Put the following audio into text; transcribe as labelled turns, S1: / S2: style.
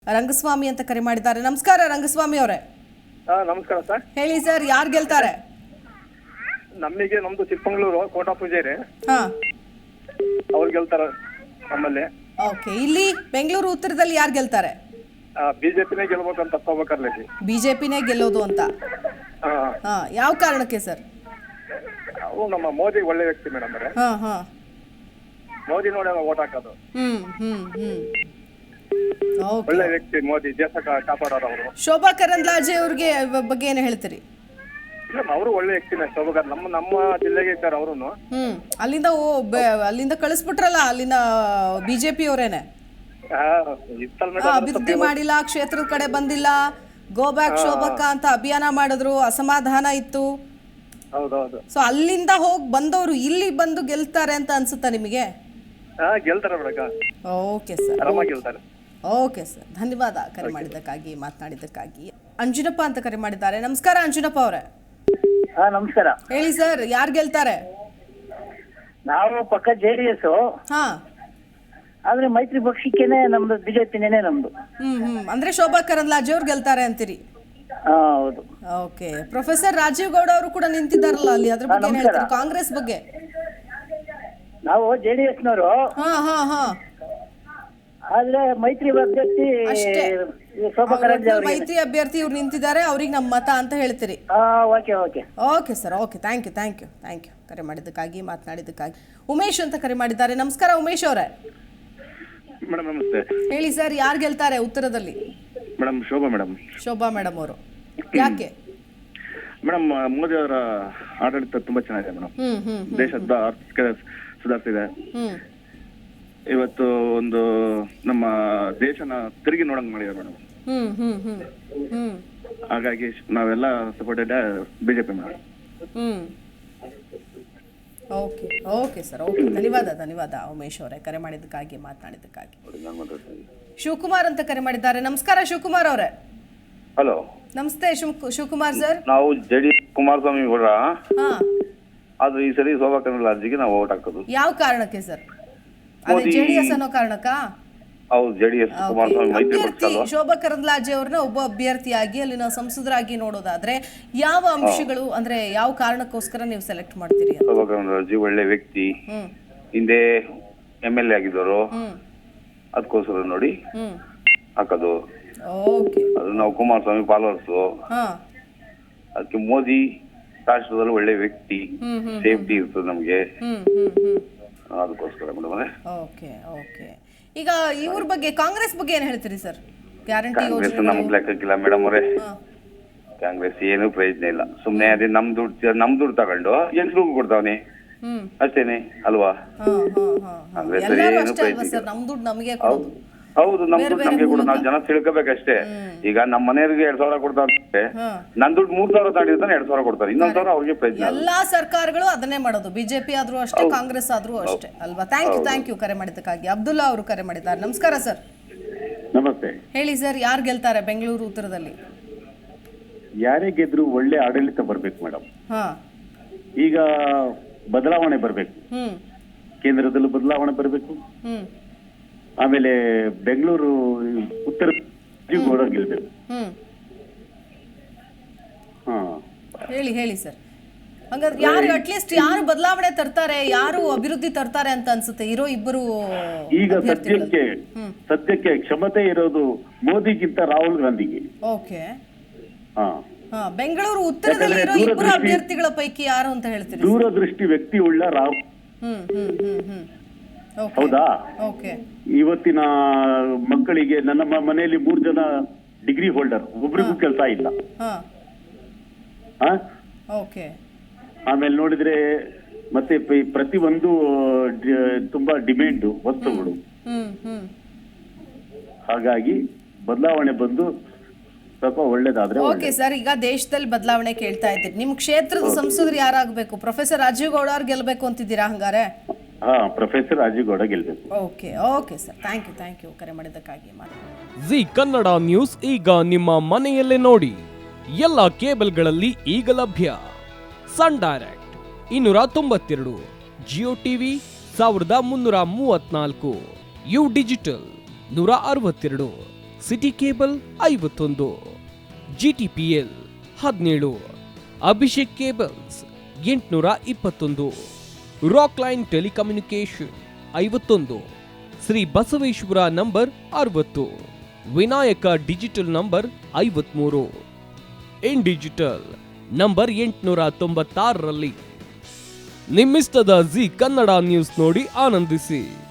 S1: ರಂಗಸ್ವಾಮಿ ಅಂತ ಕರೆ ಮಾಡಿದ್ದಾರೆ. ನಮಸ್ಕಾರ ರಂಗಸ್ವಾಮಿ ಅವರೇ.
S2: ನಮಸ್ಕಾರ ಸರ್.
S1: ಹೇಳಿ ಸರ್, ಯಾರು ಗೆಲ್ತಾರೆ?
S2: ನಮ್ದು ಚಿಕ್ಕಮಗಳೂರು ಕೋಟಾ ಪೂಜಾರಿ. ಅವ್ರು ಗೆಲ್ತಾರ ನಮ್ಮಲ್ಲಿ.
S1: ಓಕೆ, ಇಲ್ಲಿ ಬೆಂಗಳೂರು ಉತ್ತರದಲ್ಲಿ ಯಾರು ಗೆಲ್ತಾರೆ?
S2: ಬಿಜೆಪಿನೇ ಗೆಲ್ಬೇಕಂತ ಹೋಗ್ಬೇಕರ್ಲಿ.
S1: ಬಿಜೆಪಿನೇ ಗೆಲ್ಲೋದು ಅಂತ. ಯಾವ ಕಾರಣಕ್ಕೆ ಸರ್?
S2: ಅವು ನಮ್ಮ ಮೋದಿ ಒಳ್ಳೆ ವ್ಯಕ್ತಿ ಮೇಡಮ್ ಅವರೇ. ಮೋದಿ ನೋಡಿ ಓಟ್ ಹಾಕೋದು. ಒಳ್ಳೆ ವ್ಯಕ್ತಿ ಮೋದಿ, ದೇಶ ಕಾಪಾಡೋರು ಅವರು.
S1: ಶೋಭಾ ಕರಂದ್ಲಾಜೆ ಅವ್ರಿಗೆ ಬಗ್ಗೆ ಏನು ಹೇಳ್ತೀರಿ?
S2: ಅವರು ಒಳ್ಳೆ ವ್ಯಕ್ತಿನೇ. ಶೋಭಾ ನಮ್ಮ ಜಿಲ್ಲೆಗೆ ಇದ್ದಾರೆ ಅವರು.
S1: ಅಲ್ಲಿಂದ ಕಳಿಸ್ಬಿಟ್ರಲ್ಲ, ಅಲ್ಲಿಂದ ಬಿಜೆಪಿ ಅವರೇನೆ. ಅಭಿವೃದ್ಧಿ ಮಾಡಿಲ್ಲ, ಕ್ಷೇತ್ರದ ಕಡೆ ಬಂದಿಲ್ಲ, ಗೋ ಬ್ಯಾಕ್ ಶೋಭಕ್ಕ ಅಂತ ಅಭಿಯಾನ ಮಾಡಿದ್ರು, ಅಸಮಾಧಾನ ಇತ್ತು.
S2: ಹೌದೌದು.
S1: ಸೊ ಅಲ್ಲಿಂದ ಹೋಗಿ ಬಂದವರು ಇಲ್ಲಿ ಬಂದು ಗೆಲ್ತಾರೆ ಅಂತ ಅನ್ಸುತ್ತಾ ನಿಮಗೆ?
S2: ಗೆಲ್ತಾರೆ ಮೇಡಮ್.
S1: ಓಕೆ ಸರ್,
S2: ಆರಾಮಾಗಿ ಗೆಲ್ತಾರೆ.
S1: ಓಕೆ ಸರ್, ಧನ್ಯವಾದ ಕರೆ ಮಾಡಿದ್ದಕ್ಕಾಗಿ, ಮಾತನಾಡಿದ್ದಕ್ಕಾಗಿ. ಅಂಜುನಪ್ಪ ಅಂತ ಕರೆ ಮಾಡಿದ್ದಾರೆ. ನಮಸ್ಕಾರ ಅಂಜುನಪ್ಪ ಅವರೇ.
S3: ನಮಸ್ಕಾರ.
S1: ಹೇಳಿ ಸರ್, ಯಾರು ಗೆಲ್ತಾರೆ?
S3: ನಾವು ಪಕ್ಕ JDS. ಆದ್ರೆ ಮೈತ್ರಿ ಪಕ್ಷಕ್ಕೇನೆ ನಮ್ದು, ಬಿಜೆಪಿನೇ ನಮ್ದು.
S1: ಅಂದ್ರೆ ಶೋಭಾ ಕರಂದ್ಲಾಜೆ ಅವ್ರು ಗೆಲ್ತಾರೆ ಅಂತೀರಿ?
S3: ಹೌದು.
S1: ಓಕೆ, ಪ್ರೊಫೆಸರ್ ರಾಜೀವ್ ಗೌಡ ಅವರು ಕೂಡ ನಿಂತಿದ್ದಾರಲ್ಲ ಅಲ್ಲಿ, ಅದ್ರ ಬಗ್ಗೆ ಏನ್ ಹೇಳ್ತೀರಿ? ಕಾಂಗ್ರೆಸ್ ಬಗ್ಗೆ?
S3: ನಾವು JDS ನವರು. ಆದ್ರೆ ಮೈತ್ರಿ ಅಭ್ಯರ್ಥಿ ಶೋಭಾ ಕರಂದ್ಲಾಜೆ ಅವರು.
S1: ಮೈತ್ರಿ ಅಭ್ಯರ್ಥಿ ಇವ್ರು ನಿಂತಿದ್ದಾರೆ, ಅವ್ರಿಗೆ ನಮ್ಮ ಮತ ಅಂತ ಹೇಳ್ತೀರಿ? Okay sir, okay, thank you ಕರೆ ಮಾಡಿದ್ದಕ್ಕಾಗಿ, ಮಾತನಾಡಿದ್ದಕ್ಕಾಗಿ. ಉಮೇಶ್ ಅಂತ ಕರೆ ಮಾಡಿದ್ದಾರೆ. ನಮಸ್ಕಾರ ಉಮೇಶ್ ಅವರೇ.
S2: ಮೇಡಮ್ ನಮಸ್ತೆ.
S1: ಹೇಳಿ ಸರ್, ಯಾರು ಗೆಲ್ತಾರೆ ಉತ್ತರದಲ್ಲಿ?
S2: Madam Shobha madam.
S1: Shobha madam ಅವರು. ಯಾಕೆ
S2: ಮೇಡಮ್? ಮೋದಿ ಅವರ ಆಡಳಿತ ತುಂಬಾ ಚೆನ್ನಾಗಿದೆ ಮೇಡಮ್. ದೇಶದ ಆರ್ಥಿಕ ಸುಧಾರಿಸಿದೆ. ಇವತ್ತು ಒಂದು ನಮ್ಮ ದೇಶನ ತಿರುಗಿ ನೋಡಂಗ್ ಮಾಡಿದೆ ಮೇಡಮ್. ಹಾಗಾಗಿ ನಾವೆಲ್ಲ supported BJP madam.
S1: Okay sir, okay, ಧನ್ಯವಾದ ಉಮೇಶ್ ಅವರೇ ಕರೆ ಮಾಡಿದ್ದಕ್ಕಾಗಿ, ಮಾತನಾಡಿದ್ದಕ್ಕಾಗಿ. ಶಿವಕುಮಾರ್ ಅಂತ ಕರೆ ಮಾಡಿದ್ದಾರೆ. ನಮಸ್ಕಾರ ಶಿವಕುಮಾರ್ ಅವರೇ.
S2: ಹಲೋ,
S1: ನಮಸ್ತೆ ಶಿವಕುಮಾರ್ ಸರ್.
S2: ನಾವು JDS ಕುಮಾರಸ್ವಾಮಿ ಗೌಡ. ಆದ್ರೆ ಈ ಸರಿ ಶೋಭಾ ಕರಂದ್ಲಾಜೆಗೆ ನಾವು ಓಟ್ ಹಾಕೋದು.
S1: ಯಾವ ಕಾರಣಕ್ಕೆ ಸರ್? JDS ಅನ್ನೋ ಕಾರಣಕ್ಕಾ?
S2: ಹೌದು, JDS ಕುಮಾರಸ್ವಾಮಿ ಮೈತ್ರಿ ಪಕ್ಷ ಅಲ್ವಾ?
S1: ಶೋಭಾ ಕರಂದ್ಲಾಜೆ ಅವ್ರನ್ನ ಒಬ್ಬ ಅಭ್ಯರ್ಥಿಯಾಗಿ ಅಲ್ಲಿನ ಸಂಸದರಾಗಿ ನೋಡೋದಾದ್ರೆ ಯಾವ ಅಂಶಗಳು, ಅಂದ್ರೆ ಯಾವ ಕಾರಣಕ್ಕೋಸ್ಕರ ನೀವು ಸೆಲೆಕ್ಟ್ ಮಾಡ್ತೀರಿ?
S2: ಶೋಭಾ ಕರಂದ್ಲಾಜೆ ಒಳ್ಳೆ ವ್ಯಕ್ತಿ, ಹಿಂದೆ MLA ಆಗಿದ್ದವರು, ಅದಕ್ಕೋಸ್ಕರ ನೋಡಿ ಹಾಕೋದು. ಅದು ನಾವು ಕುಮಾರಸ್ವಾಮಿ ಫಾಲೋವರ್ಸ್. ಅದಕ್ಕೆ ಮೋದಿ ರಾಷ್ಟ್ರದಲ್ಲಿ ಒಳ್ಳೆ ವ್ಯಕ್ತಿ, ಸೇಫ್ಟಿ ಇರ್ತದೆ ನಮ್ಗೆ, ಅದಕ್ಕೋಸ್ಕರ ಮೇಡಮ್.
S1: ಓಕೆ, ಈಗ ಇವ್ರ ಬಗ್ಗೆ, ಕಾಂಗ್ರೆಸ್ ಬಗ್ಗೆ ಏನ್ ಹೇಳ್ತೀರಿ ಸರ್? ಗ್ಯಾರಂಟಿ
S2: ಕಾಂಗ್ರೆಸ್ ನಮ್ಗೆ ಲೆಕ್ಕಕ್ಕಿಲ್ಲ ಮೇಡಮ್ ಅವರೇ. ಕಾಂಗ್ರೆಸ್ ಏನು ಪ್ರಯೋಜನ ಇಲ್ಲ. ಸುಮ್ನೆ ಅದೇ ನಮ್ ದುಡ್ಡು ತಗೊಂಡು ಹೆಂಗ್ಸ್ರಿಗೂ ಕೊಡ್ತಾವನೆ ಅಷ್ಟೇನೆ ಅಲ್ವಾ? ಹೌದು, ನಮ್ ದುಡ್ಡು ನಮ್ಗೆ ಕೊಡು, ನಾವು ಜನ ತಿಳ್ಕೋಬೇಕಷ್ಟೇ. ಈಗ ನಮ್ಮ ಮನೆಯವ್ರಿಗೆ 2,000 ಕೊಡ್ತಾರೆ, ನನ್ ದುಡ್ಡು 3,000 ತಗೊಂಡಿರ್ತಾನೆ 2,000 ಕೊಡ್ತಾರೆ, ಇನ್ನೊಂದ್ 1,000 ಅವ್ರಿಗೆ ಪ್ರಯೋಜನ.
S1: ಎಲ್ಲಾ ಸರ್ಕಾರಗಳು ಅದನ್ನೇ ಮಾಡೋದು, ಬಿಜೆಪಿ ಆದ್ರೂ ಅಷ್ಟೇ, ಕಾಂಗ್ರೆಸ್ ಆದ್ರೂ ಅಷ್ಟೇ ಅಲ್ವಾ? ಥ್ಯಾಂಕ್ ಯು ಕರೆ ಮಾಡಿದ್ದಕ್ಕಾಗಿ. ಅಬ್ದುಲ್ಲಾ ಅವರು ಕರೆ ಮಾಡಿದ್ದಾರೆ. ನಮಸ್ಕಾರ ಸರ್.
S4: ನಮಸ್ತೆ.
S1: ಹೇಳಿ ಸರ್, ಯಾರು ಗೆಲ್ತಾರೆ ಬೆಂಗಳೂರು ಉತ್ತರದಲ್ಲಿ?
S4: ಯಾರೇ ಗೆದ್ರು ಒಳ್ಳೆ ಆಡಳಿತ ಬರ್ಬೇಕು ಮೇಡಮ್. ಈಗ ಬದಲಾವಣೆ ಬರ್ಬೇಕು, ಕೇಂದ್ರದಲ್ಲೂ ಬದಲಾವಣೆ ಬರ್ಬೇಕು. ಆಮೇಲೆ ಬೆಂಗಳೂರು ಉತ್ತರ ಗೌಡ ಗೆಲ್ಬೇಕು.
S1: ಹೇಳಿ ಸರ್, ಹಂಗಾದ್ರೆ ಯಾರು ಅಟ್ಲೀಸ್ಟ್ ಯಾರು ಬದಲಾವಣೆ ತರ್ತಾರೆ, ಯಾರು ಅಭಿವೃದ್ಧಿ ತರ್ತಾರೆ ಅಂತ ಅನ್ಸುತ್ತೆ ಇರೋ ಇಬ್ಬರು?
S4: ಈಗ ಸದ್ಯಕ್ಕೆ ಕ್ಷಮತೆ ಇರೋದು ಮೋದಿಗಿಂತ ರಾಹುಲ್ ಗಾಂಧಿಗೆ.
S1: ಓಕೆ, ಬೆಂಗಳೂರು ಉತ್ತರದಲ್ಲಿ ಇರೋ ಇಬ್ಬರು ಅಭ್ಯರ್ಥಿಗಳ ಪೈಕಿ ಯಾರು ಅಂತ ಹೇಳ್ತೀರಿ?
S4: ದೂರದೃಷ್ಟಿ ವ್ಯಕ್ತಿ ಉಳ್ಳ ರಾಹುಲ್. ಹೌದಾ? ಇವತ್ತಿನ ಮಕ್ಕಳಿಗೆ, ನನ್ನ ಮನೆಯಲ್ಲಿ 3 ಜನ ಡಿಗ್ರಿ ಹೋಲ್ಡರ್, ಒಬ್ರಿಗೂ ಕೆಲಸ ಇಲ್ಲ. ಆಮೇಲೆ ನೋಡಿದ್ರೆ ಮತ್ತೆ ಪ್ರತಿ ಒಂದು ತುಂಬಾ ಡಿಮ್ಯಾಂಡ್ ವಸ್ತುಗಳು. ಹಾಗಾಗಿ ಬದಲಾವಣೆ ಬಂದು ಸ್ವಲ್ಪ ಒಳ್ಳೇದಾದ್ರೆ.
S1: ಓಕೆ ಸರ್, ಈಗ ದೇಶದಲ್ಲಿ ಬದಲಾವಣೆ ಕೇಳ್ತಾ ಇದ್ದೀರಿ. ನಿಮ್ ಕ್ಷೇತ್ರದ ಸಂಸದರು ಯಾರಾಗಬೇಕು? ಪ್ರೊಫೆಸರ್ ರಾಜೀವ್ ಗೌಡ ಅವ್ರು ಗೆಲ್ಬೇಕು ಅಂತಿದ್ದೀರಾ ಹಂಗಾರೆ?
S4: ಪ್ರೊಫೆಸರ್ ರಾಜೀವ್ ಗೌಡ ಗೆಲ್ಬೇಕು.
S1: ಓಕೆ ಸರ್, ಥ್ಯಾಂಕ್ ಯು ಕರೆ ಮಾಡಿದ್ದಕ್ಕಾಗಿ.
S5: ಜಿ ಕನ್ನಡ ನ್ಯೂಸ್ ಈಗ ನಿಮ್ಮ ಮನೆಯಲ್ಲೇ ನೋಡಿ. ಎಲ್ಲ ಕೇಬಲ್ಗಳಲ್ಲಿ ಈಗ ಲಭ್ಯ. Sun Direct 292, Jio TV 1334, U Digital 162, City Cable 51, GTPL 17, Abhishek Cables 821, Rockline telecommunication 51, Shri Basaveshwara number 60, Vinayaka Digital number 53, In Digital number 896ರಲ್ಲಿ ನಿಮ್ಮಿಸ್ತದ ಜಿ ಕನ್ನಡ ನ್ಯೂಸ್ ನೋಡಿ ಆನಂದಿಸಿ.